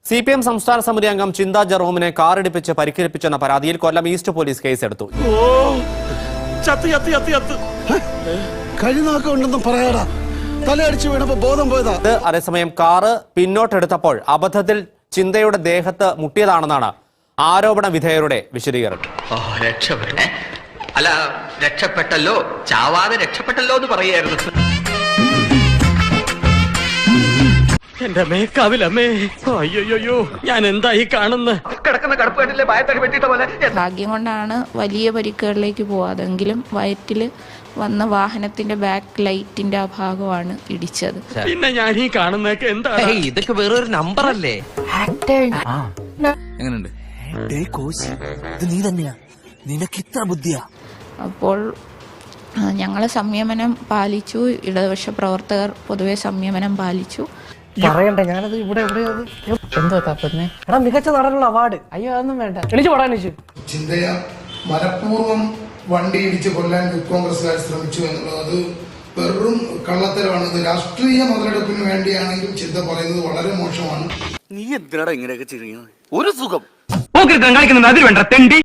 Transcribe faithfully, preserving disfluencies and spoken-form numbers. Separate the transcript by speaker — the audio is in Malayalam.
Speaker 1: സി പി എം സംസ്ഥാന സമിതി അംഗം ചിന്ത ജെറോമിനെ കാറിടിപ്പിച്ച് പരിക്കേൽപ്പിച്ചെന്ന പരാതിയിൽ കൊല്ലം ഈസ്റ്റ് പോലീസ് കേസെടുത്തു. അതേസമയം കാറ് പിന്നോട്ടെടുത്തപ്പോൾ അബദ്ധത്തിൽ ചിന്തയുടെ ദേഹത്ത് മുട്ടിയതാണെന്നാണ് ആരോപണ വിധേയരുടെ വിശദീകരണം.
Speaker 2: അല്ല, രക്ഷപ്പെട്ടല്ലോ, ചാവാതെ രക്ഷപ്പെട്ടല്ലോ എന്ന് പറയായിരുന്നു.
Speaker 3: എന്റെ മേക്കാവിലമ്മേ, അയ്യോയ്യോ, ഞാൻ എന്തായി കാണുന്നത്?
Speaker 2: കിടക്കുന്ന കടപ്പുകാട്ടിലെ ഭയത്തടി വെട്ടിട്ട പോലെ.
Speaker 4: ഭാഗ്യം കൊണ്ടാണ് വലിയ പരിക്കുകളിലേക്ക് പോവാതെങ്കിലും വയറ്റിൽ വന്ന വാഹനത്തിന്റെ ബാക്ക് ലൈറ്റിന്റെ ആ ഭാഗമാണ് ഇടിച്ചത്.
Speaker 3: പിന്നെ ഞാൻ ഈ കാണുന്നതൊക്കെ എന്താണ്?
Speaker 5: ഇതൊക്കെ വേറൊരു നമ്പർ അല്ലേ?
Speaker 6: എങ്ങനെയുണ്ട്? നീ തന്നെയാ, നിനക്ക് ഇത്ര ബുദ്ധിയാ?
Speaker 4: അപ്പോൾ ഞങ്ങൾ സംയമനം പാലിച്ചു. ഇടതുപക്ഷ പ്രവർത്തകർ പൊതുവെ സംയമനം പാലിച്ചു.
Speaker 7: പറയണ്ട, ഞാനത് ഇവിടെ ഇവിടെ എന്തോ തപ്പുന്നേ എടാ, മികച്ച നടനുള്ള അവാർഡ്. അയ്യോ, അതൊന്നും വേണ്ട, എണീച്ചു പോടാ. എണീച്ചു
Speaker 8: ചിന്തയ മനഃപൂർവ്വം വണ്ടി ഇടിച്ച് കൊല്ലാൻ കോൺഗ്രസ്സുകാർ ശ്രമിച്ചു എന്നുള്ളത് വെറും കള്ളത്തരമാണ്. രാഷ്ട്രീയ മുതലെടുപ്പിന് വേണ്ടിയാണെങ്കിൽ ചിന്ത പറയുന്നത് വളരെ മോശമാണ്.
Speaker 6: നീ എന്തിനാടാ ഇങ്ങനെയൊക്കെ ചെയ്യുന്നത്? ഒരു സുഖം
Speaker 3: കളിക്കുന്നത് അതിൽ വേണ്ട തെണ്ടി.